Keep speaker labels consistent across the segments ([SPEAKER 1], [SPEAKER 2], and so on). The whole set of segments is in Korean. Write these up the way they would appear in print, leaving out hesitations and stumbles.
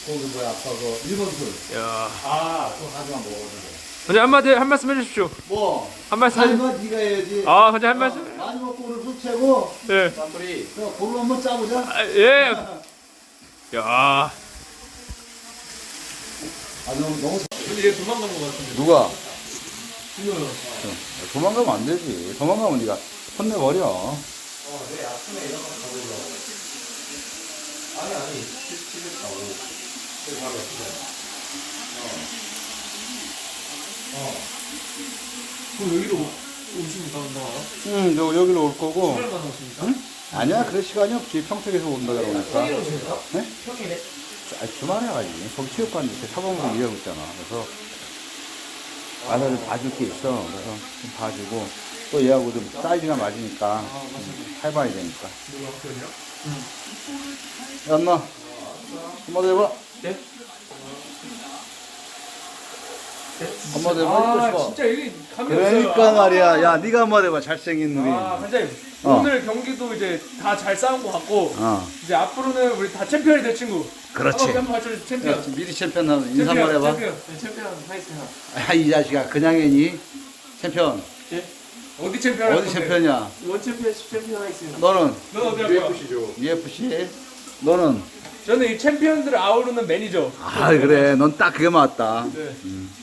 [SPEAKER 1] 거기 뭐야 아까 그 일본 술.
[SPEAKER 2] 야.
[SPEAKER 1] 아, 그거 가져만 먹었는데.
[SPEAKER 2] 원장님 한 말씀 해주십시오.
[SPEAKER 1] 뭐?
[SPEAKER 2] 한 말씀.
[SPEAKER 1] 아니면 네가 해야지.
[SPEAKER 2] 아, 원장님 한 말씀.
[SPEAKER 1] 많이 먹고 오늘 술 채고.
[SPEAKER 2] 예.
[SPEAKER 1] 쌈뿌리. 볼로 한번 짜보자.
[SPEAKER 2] 아, 예. 야.
[SPEAKER 1] 아, 너무.
[SPEAKER 3] 근데 얘 도망간 것 같은데.
[SPEAKER 4] 누가?
[SPEAKER 3] 진호요.
[SPEAKER 4] 도망가면 안 되지. 도망가면 네가 혼내버려.
[SPEAKER 1] 내 아침에 이런 거 가보자. 아니, 집에 가고. 저기 바로 옆에.
[SPEAKER 3] 그럼 여기로 오십니까?
[SPEAKER 4] 응, 여기로 올 거고.
[SPEAKER 3] 주말만 오십니까?
[SPEAKER 4] 응? 아니야, 그럴 시간이 없지. 평택에서 온다 그러니까.
[SPEAKER 3] 평일에 오십니까?
[SPEAKER 4] 네?
[SPEAKER 3] 평일에?
[SPEAKER 4] 주말에 가지. 거기 체육관 이렇게 사범으로 일하고 있잖아. 그래서 와서 좀 봐줄 게 있어. 그래서 좀 봐주고 또 얘하고 좀 사이즈가 맞으니까 해봐야 되니까.
[SPEAKER 3] 누가 학교냐?
[SPEAKER 4] 야, 엄마. 한마디 해봐.
[SPEAKER 3] 네?
[SPEAKER 4] 한마디 해봐.
[SPEAKER 3] 아, 진짜 이게 감이 없어요.
[SPEAKER 4] 그러니까 말이야. 야, 네가 한마디 해봐. 잘생긴 놈이.
[SPEAKER 3] 아, 반장님.
[SPEAKER 4] 어.
[SPEAKER 3] 오늘 경기도 이제 다 잘 싸운 것 같고 이제 앞으로는 우리 다 챔피언이 될 친구.
[SPEAKER 4] 그렇지.
[SPEAKER 3] 한번 맞춰주세요. 챔피언.
[SPEAKER 4] 야, 미리 챔피언 한번 인사 한번 해봐.
[SPEAKER 3] 챔피언. 네, 챔피언 하겠습니다.
[SPEAKER 4] 아, 이 자식아. 그냥 해니? 챔피언.
[SPEAKER 3] 예? 어디 챔피언?
[SPEAKER 4] 어디 챔피언이야?
[SPEAKER 3] 원 챔피언, 10챔피언 하겠습니다.
[SPEAKER 4] 너는?
[SPEAKER 3] 넌 어디 할 거야?
[SPEAKER 4] UFC? 너는?
[SPEAKER 3] 저는 이 챔피언들을 아우르는 매니저.
[SPEAKER 4] 아, 그래. 넌 딱 그게 맞다.
[SPEAKER 3] 네.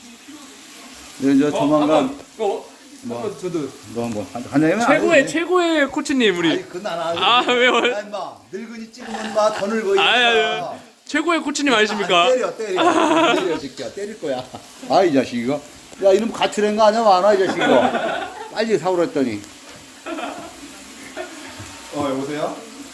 [SPEAKER 4] 이제 조만간
[SPEAKER 3] 한번 저도
[SPEAKER 4] 너 한번 한장이면
[SPEAKER 2] 최고의 코치님 우리.
[SPEAKER 4] 아니 그건 안
[SPEAKER 2] 아, 왜요?
[SPEAKER 4] 야 임마 늙은이 찍으면 마 더 늙어.
[SPEAKER 2] 아유. 최고의 코치님 아니십니까?
[SPEAKER 4] 때려 새끼야. 때릴 거야. 아, 이 자식 이거. 야, 이놈 같이 낸 거 아니야? 많아 이 자식 이거. 빨리 사오라 했더니.
[SPEAKER 1] 여보세요?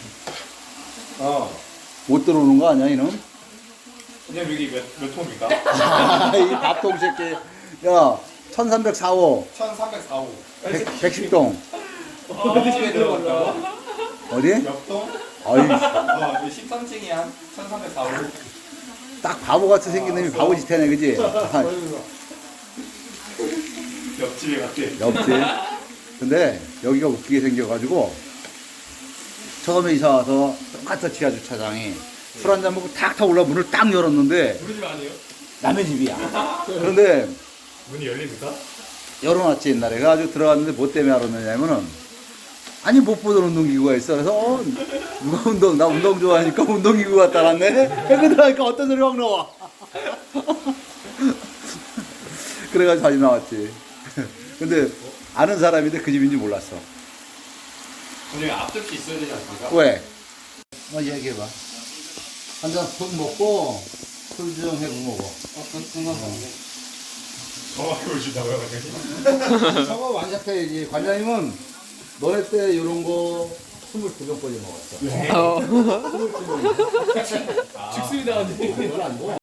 [SPEAKER 4] 못 들어오는 거 아니야 이놈?
[SPEAKER 3] 그냥 여기 몇 통입니까?
[SPEAKER 4] 이 밥통 새끼. 야, 1304호
[SPEAKER 1] 1304호.
[SPEAKER 4] 110동.
[SPEAKER 1] 어디에 들어갔다고?
[SPEAKER 4] 어디?
[SPEAKER 1] 몇 동?
[SPEAKER 4] 어이,
[SPEAKER 1] 13층이야. 1304호.
[SPEAKER 4] 딱 바보 같이 생긴 놈이 바보 짓하네, 그지?
[SPEAKER 1] 옆집에 갔대.
[SPEAKER 4] 옆집. 근데 여기가 웃기게 생겨가지고 처음에 이사 와서 똑같아 지하 주차장이 술 한잔 먹고 탁 올라 문을 딱 열었는데
[SPEAKER 3] 우리 집 아니에요?
[SPEAKER 4] 남의 집이야. 그런데
[SPEAKER 3] 문이 열립니까?
[SPEAKER 4] 열어놨지 옛날에. 그래가지고 들어갔는데 뭐 때문에 알았느냐면은 아니 못 보던 운동기구가 있어. 그래서 누가 나 운동 좋아하니까 운동기구 갖다 놨네. 그거 들어가니까 어떤 소리 확 나와. 그래가지고 다시 나왔지. 근데 아는 사람인데 그 집인지 몰랐어.
[SPEAKER 1] 근데 앞접시 있어야 되지 않습니까?
[SPEAKER 4] 왜? 얘기해봐. 한잔 푹 먹고 술 좀 해고 먹어.
[SPEAKER 1] 정확히 보여준다고요, 관장님?
[SPEAKER 4] 저거 완샷해야지. 관장님은 너네 때 이런 거 22병까지 먹었어.
[SPEAKER 3] 죽습니다.
[SPEAKER 4] 별로 안 먹어.